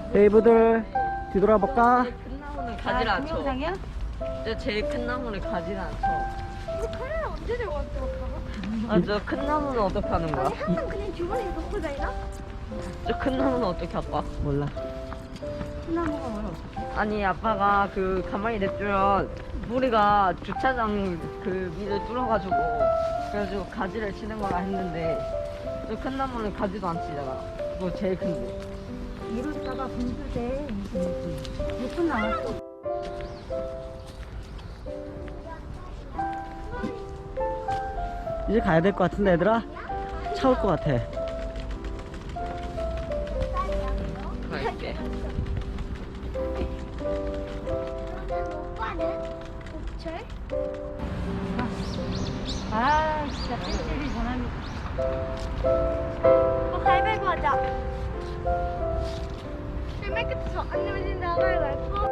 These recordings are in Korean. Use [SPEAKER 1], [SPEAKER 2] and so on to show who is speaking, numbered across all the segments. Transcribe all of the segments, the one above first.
[SPEAKER 1] 베이브들 뒤돌아볼까?
[SPEAKER 2] 큰 나무는 가지를 안 쳐.
[SPEAKER 3] 동영상이야?
[SPEAKER 2] 저 제일 큰 나무는 가지를 안 쳐.
[SPEAKER 4] 이거 카메라 언제 들고 왔어, 오빠가?
[SPEAKER 2] 아, 저 큰 나무는 어떻게 하는 거야?
[SPEAKER 4] 아니, 항상 그냥 주머니에 넣고 다니나?
[SPEAKER 2] 저 큰 나무는 어떻게 아빠?
[SPEAKER 1] 몰라.
[SPEAKER 3] 소나무가 뭘 어떻게?
[SPEAKER 2] 아니, 아빠가 그 가만히 냅두면 우리가 주차장 그 밑을 뚫어가지고 그래가지고 가지를 치는 거라 했는데 저 큰 나무는 가지도 안 치잖아. 그거 제일 큰데.
[SPEAKER 3] 이러다가 분수대 몇분 나왔어?
[SPEAKER 1] 이제 가야 될 것 같은데 얘들아? 차 올 것 같아.
[SPEAKER 2] 갈게.
[SPEAKER 4] 그러면 오빠는? 옥철?
[SPEAKER 3] 아 진짜 팬들이 전화면
[SPEAKER 4] 가위바위보 하자. 맨 끝에 저안 내면진다 가위바위보. 안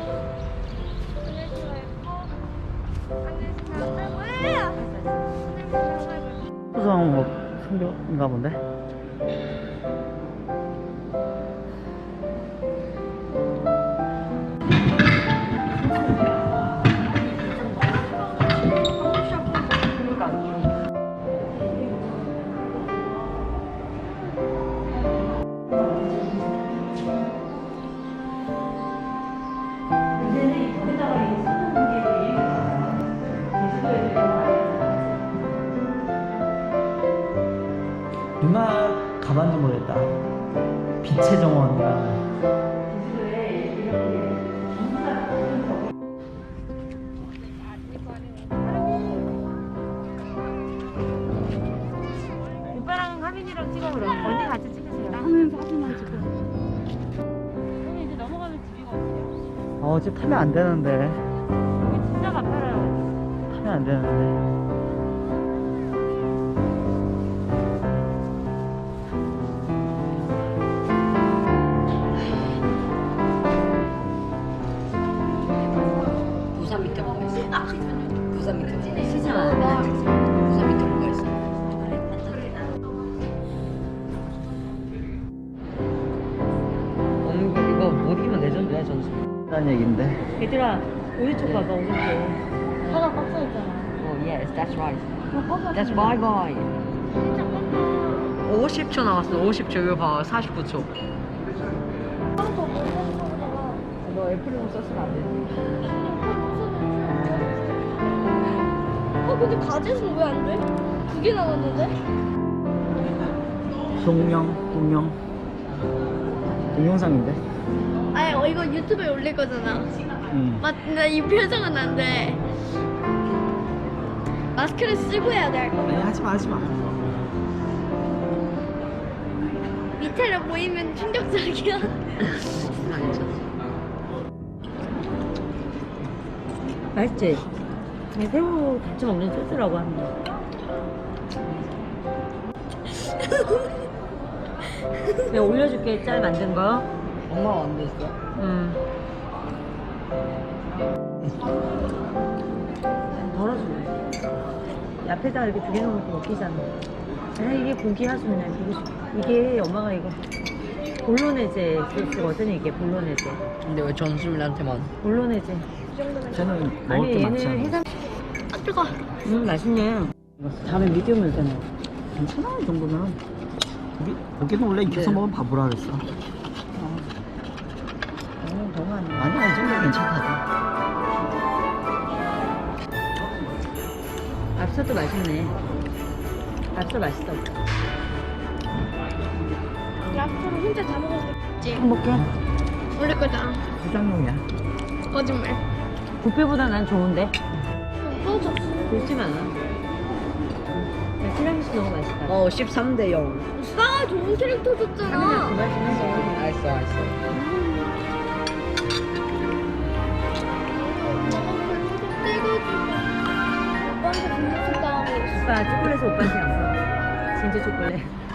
[SPEAKER 4] 내면진다 가위바위보. 안 내면진다 가위바위보.
[SPEAKER 1] 수성 뭐 생겨인가 본데? 누나 가봤는지 모르겠다. 빛의 정원이랑
[SPEAKER 3] 오빠랑 하민이랑 찍어 그래. 언니 같이 찍으세요. 하민 사진만 찍어. 언니 이제 넘어가면 집이가 어디야?
[SPEAKER 1] 집 타면 안 되는데.
[SPEAKER 3] 여기 진짜 가파라요.
[SPEAKER 1] 타면 안 되는데.
[SPEAKER 2] 부산 밑에 뭐가 있어? 부산 밑에 뭐가 있어? 시장. 부산 밑에 뭐가 있어? 이거 못 이기면 레전드야, 전수.
[SPEAKER 1] 라는 얘기인데.
[SPEAKER 3] 얘들아 오른쪽 봐봐 오른쪽. 차가 꽉 차있잖아.
[SPEAKER 2] Oh yes, that's right. That's bye bye. 50초 남았어. 50초. 이거 봐. 49초. 너 애플링 썼으면 안 되지.
[SPEAKER 4] 근데 가젯은 왜 안 돼? 2개 나왔는데?
[SPEAKER 1] 동영상인데.
[SPEAKER 4] 아니, 이거 유튜브에 올릴 거잖아. 맞나? 이 표정은 안 돼. 마스크를 쓰고 해야 돼.
[SPEAKER 1] 아니 하지마.
[SPEAKER 4] 밑에를 보이면 충격적이야.
[SPEAKER 3] 맛있지? 새우 같이 먹는 소스라고 하는 거. 내가 올려줄게 짤 만든 거.
[SPEAKER 2] 엄마가 안 됐어.
[SPEAKER 3] 덜어줄래. 앞에다 이렇게 두 개 넣으면 또 웃기잖아. 이게 고기 하수면 보고 싶어. 이게 엄마가 이거 볼로네제 소스거든 이게 볼로네제.
[SPEAKER 2] 근데 왜 전수민한테만?
[SPEAKER 3] 볼로네제.
[SPEAKER 1] 쟤는 먹을 게 많지 않아.
[SPEAKER 3] 해삼.
[SPEAKER 4] 아, 뜨거.
[SPEAKER 3] 맛있네.
[SPEAKER 1] 다음에 미디움을 되네. 괜찮아 이 정도면. 고기는 원래 익혀서 먹으면 바보라 그랬어.
[SPEAKER 3] 너무 안 돼.
[SPEAKER 1] 아니야 이 정도면 괜찮다.
[SPEAKER 3] 앞서도 맛있네. 앞서 맛있어.
[SPEAKER 4] 앞으로 혼자 다 먹었지.
[SPEAKER 1] 행복해.
[SPEAKER 4] 올릴 거잖아.
[SPEAKER 1] 부장용이야.
[SPEAKER 4] 거짓말.
[SPEAKER 3] 뷔페보다 난 좋은데.
[SPEAKER 4] 꺼져.
[SPEAKER 3] 그렇진 않아. 티라미수 너무 맛있다.
[SPEAKER 2] 13대 0.
[SPEAKER 4] 싸 좋은 캐릭터 줬잖아.
[SPEAKER 3] 하민아 그만 좀 해줘.
[SPEAKER 2] 알았어.
[SPEAKER 4] 오빠한테 분노 다음에
[SPEAKER 3] 오빠 초콜릿을 오빠한테 안 사. 진짜 초콜릿.